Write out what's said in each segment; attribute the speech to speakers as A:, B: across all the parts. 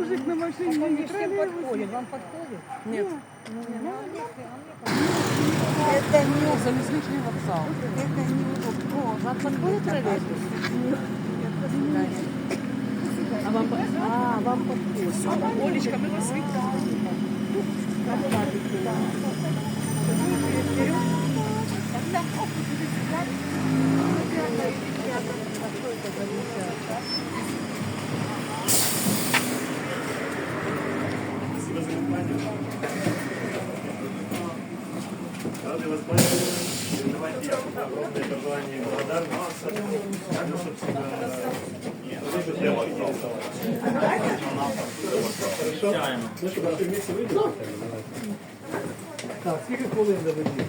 A: мужик на машине
B: Вам
A: едет.
B: всем подходит, вам подходит?
A: Нет.
B: Это не залізничний вокзал. Это не О, вам подходит троллейбус? А вам подходит.
A: Олечка, мы вас витаем.
C: Рады вас бачити. Давайте я огромное пожелание и благодарность. Также, собственно, ну что, все вместе выйдем? Так, сколько хвилин до водії?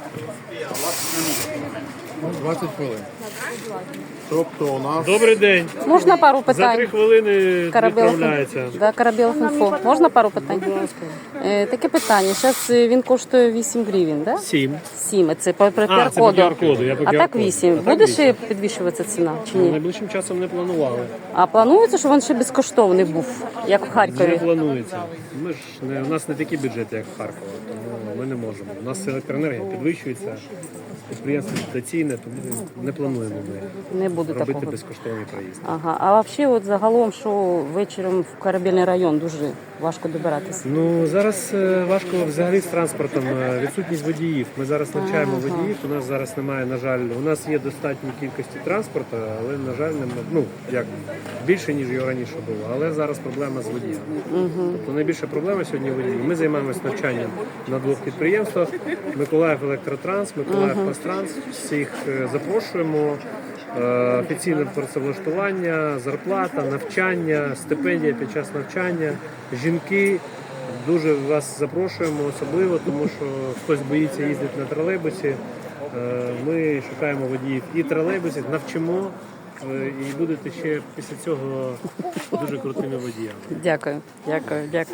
D: 20 хвилин. Тобто у нас
E: Добрий день.
F: Можна пару
E: За 3
F: питань?
E: хвилини
F: Карабелов.
E: відправляється.
F: Да, Карабелов інфо. Можна пару питань? Таке питання. Зараз він коштує 8 гривень, да?
E: 7.
F: 7. Це по
E: А, це по
F: QR-коду.
E: QR-коду. Я по
F: А так
E: QR-коду.
F: 8.
E: А так
F: Буде
E: 8.
F: ще підвищуватися ціна чи ні?
E: Найближчим часом не планували.
F: А планується, щоб він ще безкоштовний був, як в
E: Не
F: Харкові?
E: планується. Ми ж не, у нас не такі бюджети, як в Харкові, тому ми не можемо. У нас електроенергія підвищується, підприємство дотаційне, тому не плануємо ми
F: Не буде
E: робити
F: такого.
E: безкоштовний проїзд.
F: Ага. А взагалі, от загалом, що вечором в Корабельний район дуже важко добиратися.
E: Ну зараз важко взагалі з транспортом. Відсутність водіїв. Ми зараз навчаємо водіїв. У нас зараз немає, на жаль, у нас є достатньої кількості транспорту, але на жаль, немає, ну як більше ніж його раніше було. Але зараз проблема з водіями. Тобто найбільша проблема сьогодні водії. Ми займаємося навчанням на 2 підприємствах: Миколаїв Електротранс, Миколаїв Пастранс. Всіх запрошуємо. Офіційне працевлаштування, зарплата, навчання, стипендія під час навчання. Жінки, дуже вас запрошуємо особливо, тому що хтось боїться їздити на тролейбусі. Ми шукаємо водіїв і тролейбусів, навчимо, і будете ще після цього дуже крутими водіями.
F: Дякую, дякую, дякую.